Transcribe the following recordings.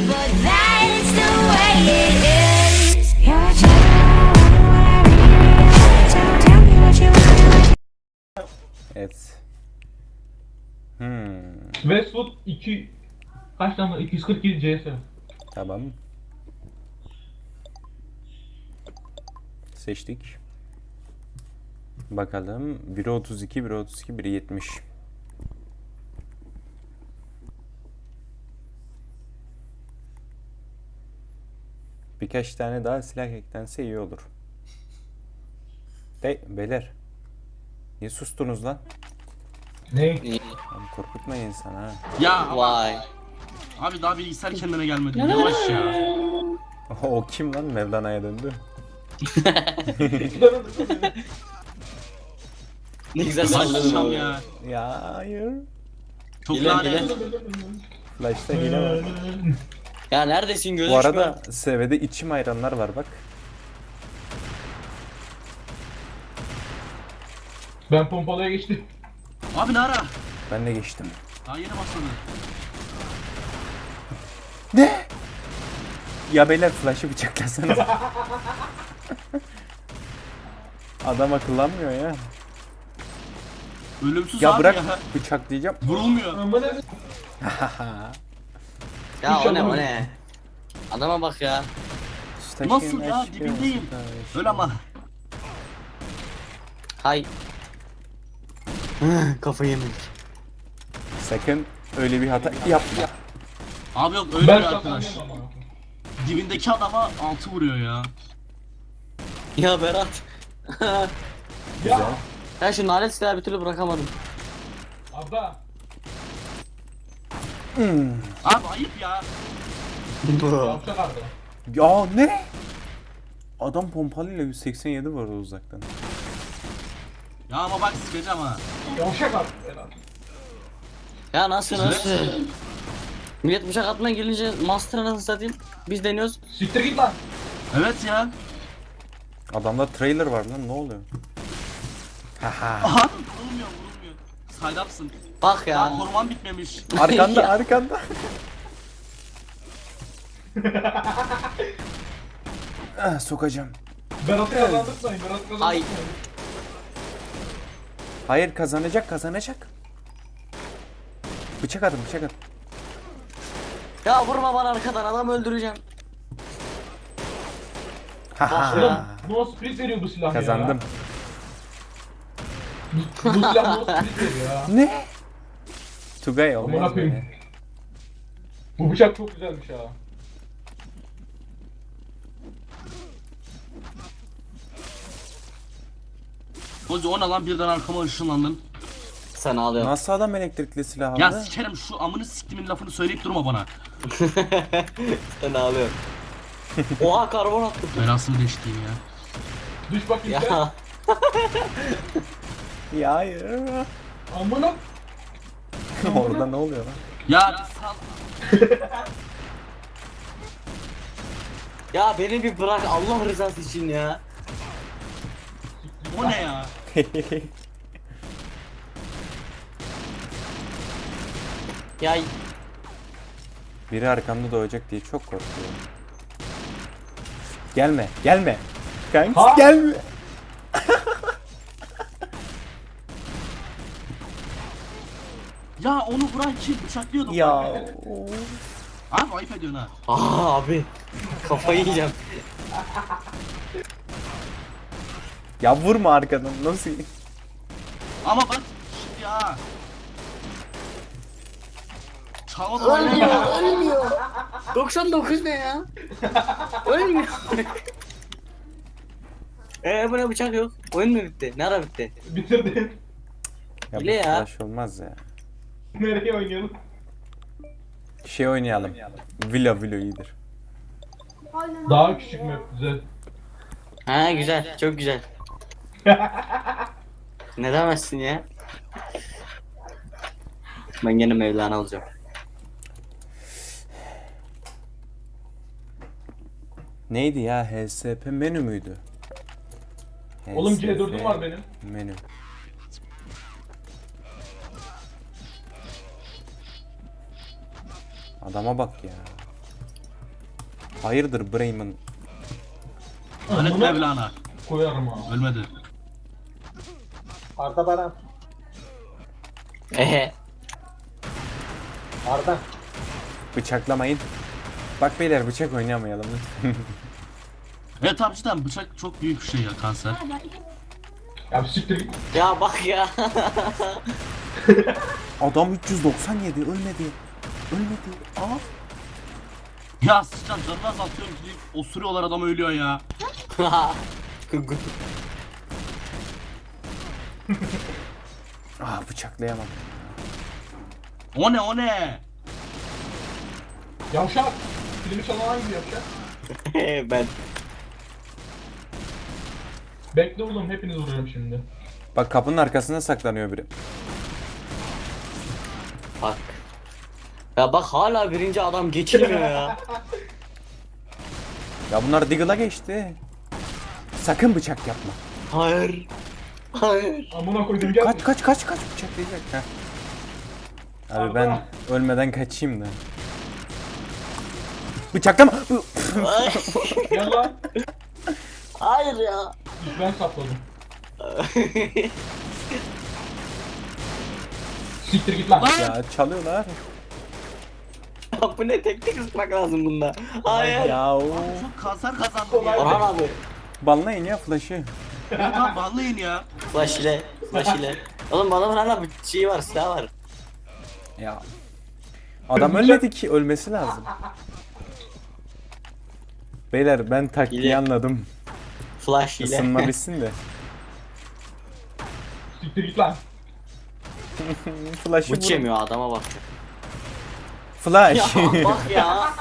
but that's the way it is. You're a so tell me what you want. Evet. Westwood 2 kaç tane? 247 CS. Tamam. Seçtik. Bakalım. Biri 32, biri 32, biri 70. Birkaç tane daha silah eklense iyi olur. Beyler. Niye sustunuz lan? Ne? Abi korkutmayın insan ha. Ya Vay. abi daha bilgisayar kendine gelmedi. Yavaş ya. O kim lan? Mevlana'ya döndü. Ne güzel Başlayacağım salladın ya. Ya hayır. Çok Hile, lanet. hile. Flash'ta hile var. Ya neredesin gözüm? Bu arada sevede içim ayranlar var bak. Ben pompalıya geçtim. Abi ne ara? Ben de geçtim. Daha yeni başladı. Ne? Ya beyler flash'ı bıçaklasana. Adam akıllanmıyor ya. Ölümsüz Ya abi bırak ya. bıçaklayacağım. Vurulmuyor. Ya o ne o ne? Adama bak ya. Nasıl ya? Dibindeyim. Öyle ama. Hay. Kafayı yemedik. Sakın öyle bir hata yapma. Abi yok öyle Ben bir arkadaş. saklanıyorum ama. Dibindeki adama 6 vuruyor ya. Ya Berat. Güzel. Ben şu nalet silahı bir türlü bırakamadım. Abla. Abi ayıp ya. Yapacak abi. Ya ne? Adam pompalıyla 187 vurdu uzaktan. Ya ama bak sıkacağım ha. Yavşak abi. Helal. Ya nasıl? Millet bıçak atmaya gelince master'a nasıl satayım? Biz deniyoruz. Siktir git lan. Evet ya. Adamda trailer var lan ne oluyor? Haha. Aha vurulmuyor. Side up'sın. Bak Ya ya. koruman bitmemiş. Arkanda Ya. arkanda. Sokacağım. Berat'ı kazandırmayın. Berat'ı Ay. kazandırmayın. Hayır kazanacak. Bıçak atın. Ya vurma bana arkadan adam öldüreceğim. Haha. Oğlum no split veriyor bu silah Kazandım. ya. Bu silah no split veriyor ya. Ne? Tugay Amına olmaz koyayım. böyle. Bu bıçak çok güzelmiş ha. Hoca o ne lan birden arkama ışınlandın. Sen ağlıyorsun. Nasıl adam elektrikli silah Ya aldı? sikerim şu amını siktimin lafını söyleyip durma bana. Sen ağlıyorsun. Oha karbon attım. Belasını değiştireyim ya. Düş bakayım sen. Ya. Ya hayır. Amına. Orada ne oluyor lan? Ya sal. Ya beni bir bırak Allah rızası için ya. O ne ya? Ya Biri arkamda doğacak diye çok korkuyorum. Gelme. Kanka Ha? gelme. Ya onu bırak ki bıçaklıyordum. Ya. Abi ayıp ediyorsun ha. abi kafayı yiyeceğim. Ya vurma arkadan nasıl? Ama bak şimdi ya. Çağla da Ölmüyor. 99 ne ya? Ölmüyor. Bu ne bıçak yok? Oyun mu bitti? Ne ara bitti? Bitirdin. Ya bu Hile ya. flash olmaz ya. Nereye oynayalım? Şey oynayalım. Villa iyidir. Daha küçük map güzel. Ha güzel, çok güzel. Ne demezsin ya? Ben gene Mevlana olacağım. Neydi ya? HSP menü müydü? Oğlum HSP C4'üm var benim. Menü. Adama bak ya. Hayırdır Bremen? Lanet Amına Mevlana. koyarım ha. Ölmedi. Arda Baran. Ehe. Arda. Bıçaklamayın. Bak beyler bıçak oynamayalım lütfen. Evet abi cidden bıçak çok büyük bir şey ya, kanser. Ya bir siktir git. Ya bak ya. Adam 397 ölmedi. Ölmedi. Aa. Ya sıçtan canını azaltıyorum ki osuruyorlar, adam ölüyor ya. Bıçaklayamam. O ne o ne? Yavşak. Filmi çalan hangi yavşak? Ben. Bekle oğlum hepiniz vuruyorum şimdi. Bak kapının arkasına saklanıyor biri. Bak. Ya bak hala birinci adam geçilmiyor ya. Ya bunlar Diggle'a geçti. Sakın bıçak yapma. Hayır. Hayır. Amına koydum gel. Kaç bıçaklayacak. Heh. Abi ben ölmeden kaçayım da. Bıçaklama. Gel lan. Hayır ya. İlk ben sapladım. Siktir git lan. Ya çalıyorlar. Bu ne, teknik ısıtmak lazım bunda. Hayır. Ya o. Çok kanser kazandım ya. Orhan abi. Banlayın ya flash'ı. Evet abi banlayın ya. Flash ile. Flash ile. Oğlum bu adamın hala bir şey var, silah var. Ya. Adam ölmedi ki, ölmesi lazım. Beyler ben taktiği İyi. anladım. Flash ile. Isınma bitsin de. Siktir git lan. Flash'ı Bıç vurun. yemiyor adama bak. Flash. Ya bak ya.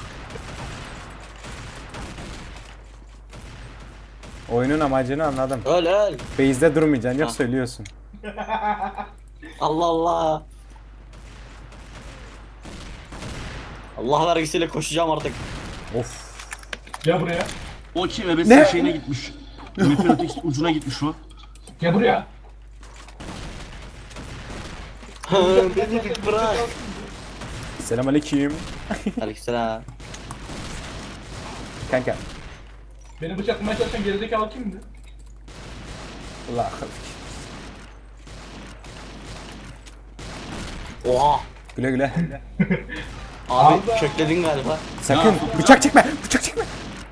Oyunun amacını anladım. Öl öl. Base'de durmayacaksın, yok Ha. söylüyorsun. Allah Allah. Allah vergisiyle koşacağım artık. Of. Gel buraya. O kim ebesinin şeyine gitmiş. Map'in öteki ucuna gitmiş o. Gel buraya. Beni bir bırak. Selamünaleyküm. Aleykümselam. Kanka. Beni bıçaklamaya çalışan gerizekalı kimdi? Allah. Oha. Güle güle. Abi Allah. kökledin galiba. Sakın bıçak çekme. Bıçak çekme.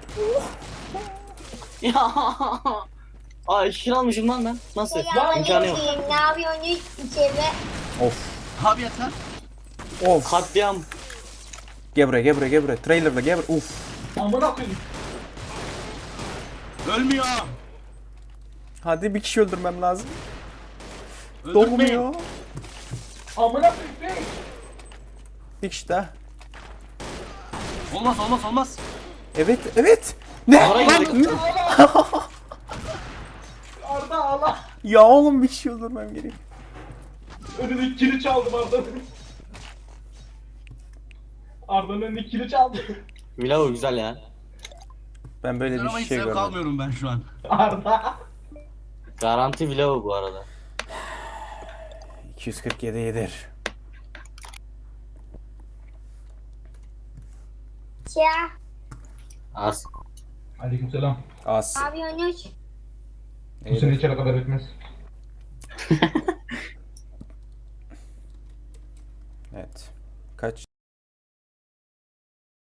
Ya. Ay şişir almışım lan ben. Nasıl? İmkanı yok. Ne yapıyorsunuz içeri? Of. Abi yeter. Of. Katliam. Gel buraya. Trailer'da gel buraya. Uf. Amına koyayım. Ölmüyor. Hadi bir kişi öldürmem lazım. Öldürmeyin. Doğmuyor. Amına koyayım. Bir kişi daha. Olmaz. Evet. Ne? Ara girdik. Arda Allah. Ya oğlum bir kişi öldürmem gerekiyor. Önündeki kili çaldım Arda'nın. Arda'nın önündeki kili çaldım. Milau güzel ya. Ben böyle Ama bir hiç şey zevk görmedim. almıyorum ben şu an. Arda. Garanti Milau bu arada. 247 yedir. Ya. Az. Aleykümselam. Az. Ne yapıyorsunuz? Bu sene içeri kadar etmez. Evet. Kaç?